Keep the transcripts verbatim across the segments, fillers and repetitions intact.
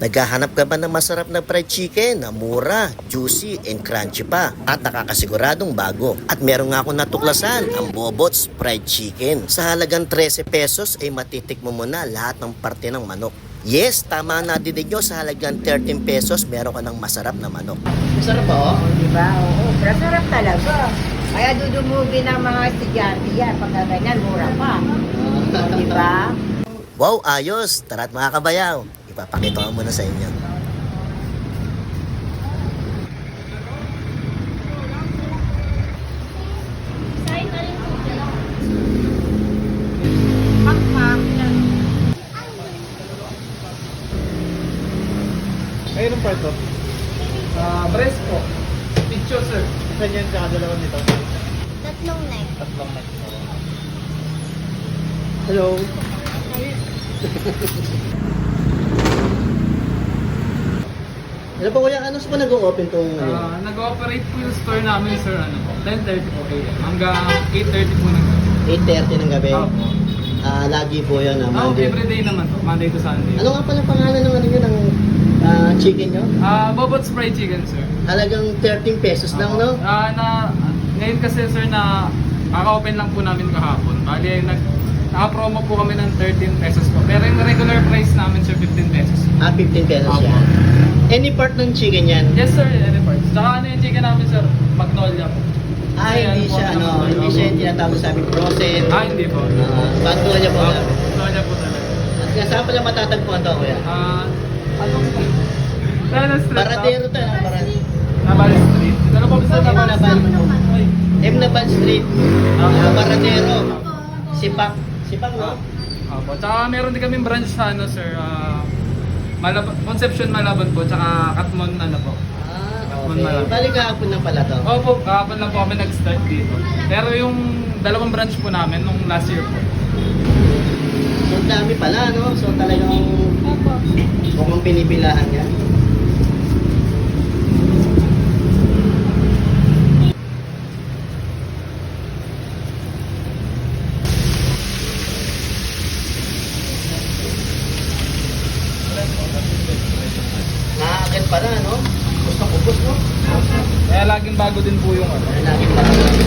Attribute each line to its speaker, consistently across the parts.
Speaker 1: Naghahanap ka ba ng masarap na fried chicken na mura, juicy, and crunchy pa at nakakasiguradong bago? At meron nga akong natuklasan, ang Bobots Fried Chicken. Sa halagang thirteen pesos ay matitikmo mo na lahat ng parte ng manok. Yes, tama na din nyo, sa halagang thirteen pesos meron ka ng masarap na manok. Masarap ba?
Speaker 2: Oh, di ba? Oo, masarap talaga. Kaya dudumugi ng mga estudyante yan. Pagka ganyan, mura pa. Oh, di ba?
Speaker 1: Wow, ayos! Tara't mga kabayaw, ipapakita ko muna sa inyo.
Speaker 3: Ayun ang part of? Ah, breast po. Picture, sir. Isa niyan sa dalawa nito.
Speaker 4: Tatlong neck.
Speaker 3: Tatlong neck. Hello.
Speaker 1: Ano po kuya, ano po nag-o-open tong ano?
Speaker 3: Ah, nag-ooperate po yung store namin, sir, ano po, ten thirty po kayo. Hanggang eight thirty po ng gabi.
Speaker 1: eight thirty ng gabi?
Speaker 3: Opo.
Speaker 1: Ah, lagi po yan, ah,
Speaker 3: Ah,
Speaker 1: Monday.
Speaker 3: everyday naman po, Monday to Sunday.
Speaker 1: Ano nga pala pangalan ng ano yun, ng ah, chicken nyo?
Speaker 3: Ah, Bobots Fried Chicken, sir.
Speaker 1: Halagang thirteen pesos lang, no?
Speaker 3: Ah, na, ngayon kasi, sir, na kaka-open lang po namin kahapon. Bali, nag, naka-promo po kami ng thirteen pesos po. Pero yung regular price namin, sir, fifteen pesos.
Speaker 1: Ah, fifteen pesos
Speaker 3: Opo.
Speaker 1: yan. Any part ng chicken yan?
Speaker 3: Yes, sir, any parts. Tsaka ano yung chicken namin, sir? Magnolia po.
Speaker 1: Ah, hindi
Speaker 3: po,
Speaker 1: siya, ano, hindi siya yung tinatawag sa aming frozen.
Speaker 3: Ah, hindi po.
Speaker 1: Ah, bago niya po.
Speaker 3: Ah,
Speaker 1: na.
Speaker 3: Magnolia po talaga.
Speaker 1: At nga, saan pala matatagpuan to, kuya?
Speaker 3: Ah, anong Tana Street.
Speaker 1: Paradero to, ano? Paradero.
Speaker 3: Nabal Street. Ano po sa
Speaker 1: M.
Speaker 3: Nabal
Speaker 1: Naban.
Speaker 3: Ay.
Speaker 1: M. Naban Street.
Speaker 3: Ah.
Speaker 1: Ah, Paradero. Sipak. Sipak, no?
Speaker 3: Opo. Tsaka meron din kaming branch sa ano, sir. Ah, Malab Conception Malabon po. Tsaka Katmon ano po.
Speaker 1: Ah,
Speaker 3: Katmon
Speaker 1: okay.
Speaker 3: Malabon.
Speaker 1: Balik kahapon lang pala to.
Speaker 3: Opo, kahapon lang po kami nag-start dito. Pero yung dalawang branch po namin nung last year po.
Speaker 1: So, ang dami pala, no? So, talagang mukhang pinipilahan yan. Nakakit pala, no? Gusto ko, gusto, no?
Speaker 3: Kaya laging bago din po yung ano.
Speaker 1: Nakakit pala.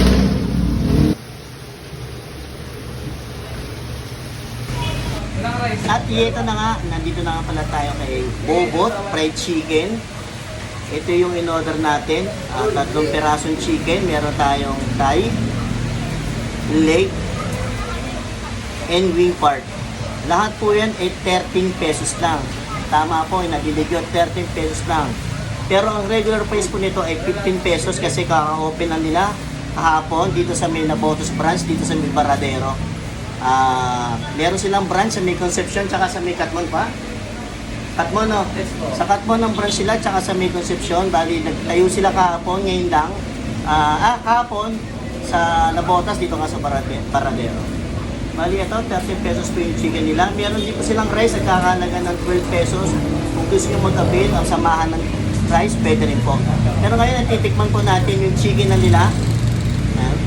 Speaker 3: Ilang rice?
Speaker 1: At ito na nga, nandito na nga pala tayo kay Bobot Fried Chicken. Ito yung in-order natin. Uh, tatlong perasong chicken. Meron tayong thigh, leg, and wing part. Lahat po yan ay thirteen pesos lang. Tama po, nabilig yun, thirteen pesos lang. Pero ang regular price po nito ay fifteen pesos kasi kaka-open lang nila kahapon dito sa may Nabotos branch, dito sa may Paradero. Ah, meron silang branch sa may Concepcion tsaka sa may Katmon pa. Katmon, no?
Speaker 3: Yes po.
Speaker 1: Sa Katmon ng branch sila tsaka sa may Concepcion. Bali, nagtayo sila kahapon, ngayon lang. Ah, ah kahapon sa Nabotas dito nga sa Parade Paradero. Bali, ito, thirteen pesos po yung chicken nila. Meron din po silang rice at kakalaga ng twelve pesos. Kung gusto nyo mag-avail ang samahan ng rice, pwede rin po. Pero ngayon, natitikman po natin yung chicken na nila. Ayan.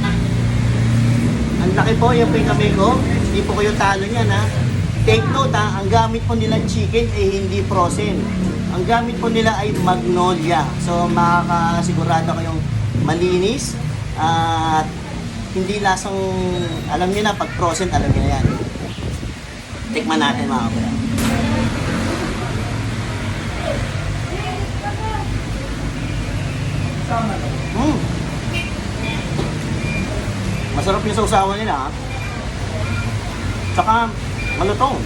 Speaker 1: Ang laki po, yung po yung kamay ko. Hindi po kayo talo niyan, ha. Take note, ha. Ang gamit po nilang chicken ay hindi frozen. Ang gamit po nila ay Magnolia. So, makakasigurado kayong malinis. At hindi lasang, alam niyo na, pag frozen, alam niyo na yan. Tikman natin, mga kuya. Mm. Masarap yung sausawan nila, ha? Tsaka, malutong.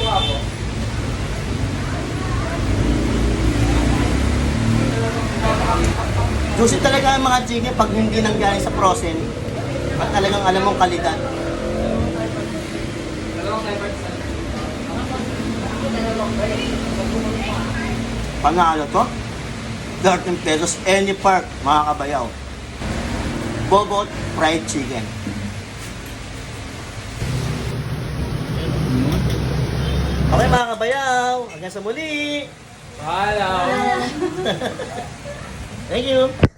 Speaker 1: Juicy talaga ang mga chicken pag hindi nang galing sa frozen. At talagang alam mong kalidad. Panalo to. thirteen pesos any part, mga kabayaw. Bobot Fried Chicken. Okay mga kabayaw, hanggang sa muli.
Speaker 3: Hello.
Speaker 1: Thank you.